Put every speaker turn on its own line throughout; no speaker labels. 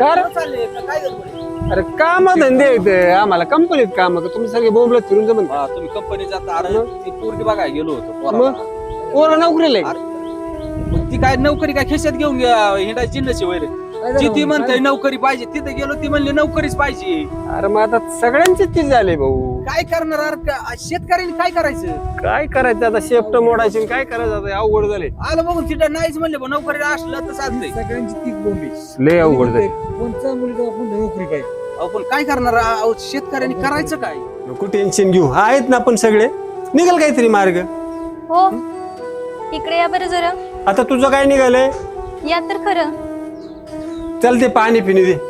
कर
चालले काय गडबड?
अरे काम धंदे आहेत आम्हाला कंपनीत काम तुम्ही सगळे बोंबलत फिरून जमन
हा, तुम्ही कंपनी जाता. अरे ती पोरगी बघायला गेलो होतो
मग
पोराला.
पोरं नोकरीला आहे.
अरे, मग ती काय नोकरी काय खिशात घेऊन हिंडायची जिन्नशी वैर जी ती म्हणते नोकरी पाहिजे तिथे गेलो ती म्हणली नोकरीच पाहिजे.
अरे मग आता सगळ्यांचीच चीज झाली भाऊ.
काय करणार अरे शेतकऱ्यांनी काय करायचं?
काय करायचं आता शेफ्ट मोडायची आणि काय करायचं आता अवघड झाले.
आलं बघून तिथं नाहीच म्हणले पण नोकरी असलं तर चालतंय.
सगळ्यांची तीच बोंबी.
लय अवघड झाले.
कोणत्या मुलीचा आपण नोकरी पाहिजे.
अहो, पण काय करणार अहो, शेतकऱ्यांनी करायचं काय?
नको टेन्शन घेऊ आहेत ना आपण सगळे निघाल काहीतरी मार्ग.
हो इकडे या बरं जरा.
आता तुझं काय निघालंय?
या तर खरं.
चल ते पाणी पिणी दे.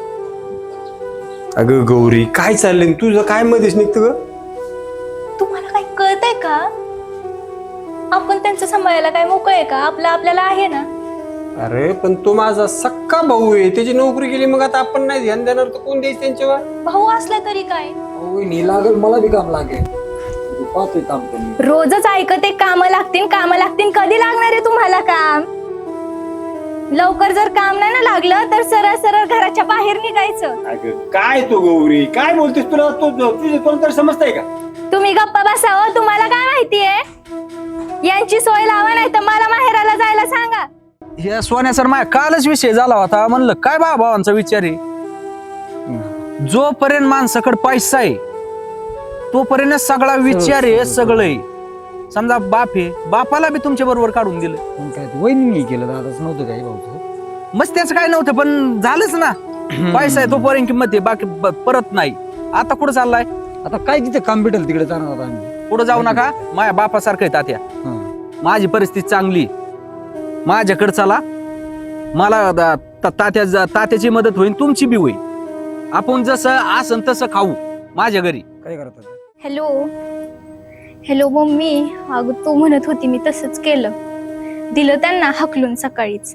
अगं गौरी काय चाललंय तुझं काय मध्येच निघतं ग?
तुम्हाला काही कळतंय का? आपण त्यांचं सांभाळायला काय मोकळ आहे का? आपलं आपल्याला आहे ना.
अरे पण तो माझा सक्का भाऊ आहे त्याची नोकरी गेली मग आता आपण नाही ध्यान देणार तर कोण द्यायचं त्यांच्यावर?
भाऊ असला तरी काय.
वहिनी लागल मला बी काम लागेल. पाहतोय काम करून.
रोजच ऐकते काम लागतील काम लागतील. कधी लागणार आहे तुम्हाला काम? लवकर जर काम नाही ना लागलं तर सरळ सरळ घराच्या बाहेर निघायचं.
अगं काय तो गौरी काय बोलतेस तुला तुझे कोणतरी समजतंय का?
तुम्ही गप्पा बसावं. तुम्हाला काय माहितीये? यांची सोय लावा नाही तर मला माहेराला जायला सांगा.
हे सोन्या सर माझ्या कालच विषय झाला होता. म्हणलं काय भावांचा विचार आहे. जोपर्यंत माणसाकडे पैसा आहे तोपर्यंत सगळा विचार आहे. सगळं समजा बाप आहे बापाला बी तुमच्या बरोबर काढून दिलं.
पण काय ते वहिनी केलं दादाच नव्हतं काही भाऊ.
मस्त त्याचं काय नव्हतं पण झालंच ना. पैसा आहे तोपर्यंत किंमत आहे बाकी परत नाही. आता कुठं चाललाय?
आता काय तिथे काम भेटेल तिकडे जाणार आता आम्ही.
पुढे जाऊ नका. माझ्या बापासारखं आहे तात्या. माझी परिस्थिती चांगली. माझ्याकडे चला. मला तात्याची मदत होईल तुमची बी होईल. आपण जसं आसन तसं खाऊ माझ्या घरी.
काय करतात?
Hello hello mummy. अगं तू म्हणत होती मी तसंच केलं. दिलं त्यांना हकलून सकाळीच.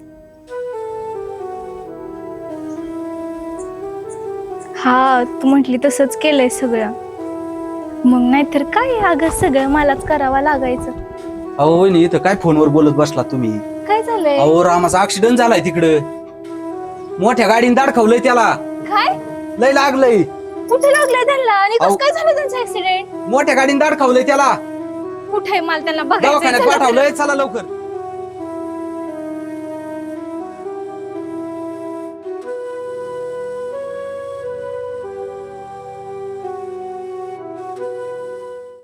हा तू म्हटली तसंच केलंय सगळं. मग नाहीतर काय अगं सगळं मलाच करावं लागायचं.
अहो वहिनी इथं काय फोनवर बोलत बसला तुम्ही?
काय झालंय?
अहो रामाचा ऍक्सिडेंट झालाय तिकडं. मोठ्या गाडीने दाडखवलंय त्याला.
काय
लय लागलंय.
कुठे लागलंय त्यांना? आणि
अहो.
कसं काय झालं त्यांचं ऍक्सिडेंट?
मोठ्या गाडीने दाडखवलंय त्याला.
कुठे मला त्यांना
दवाखान्यात
बघायचं.
पाठवलंय. चला लवकर.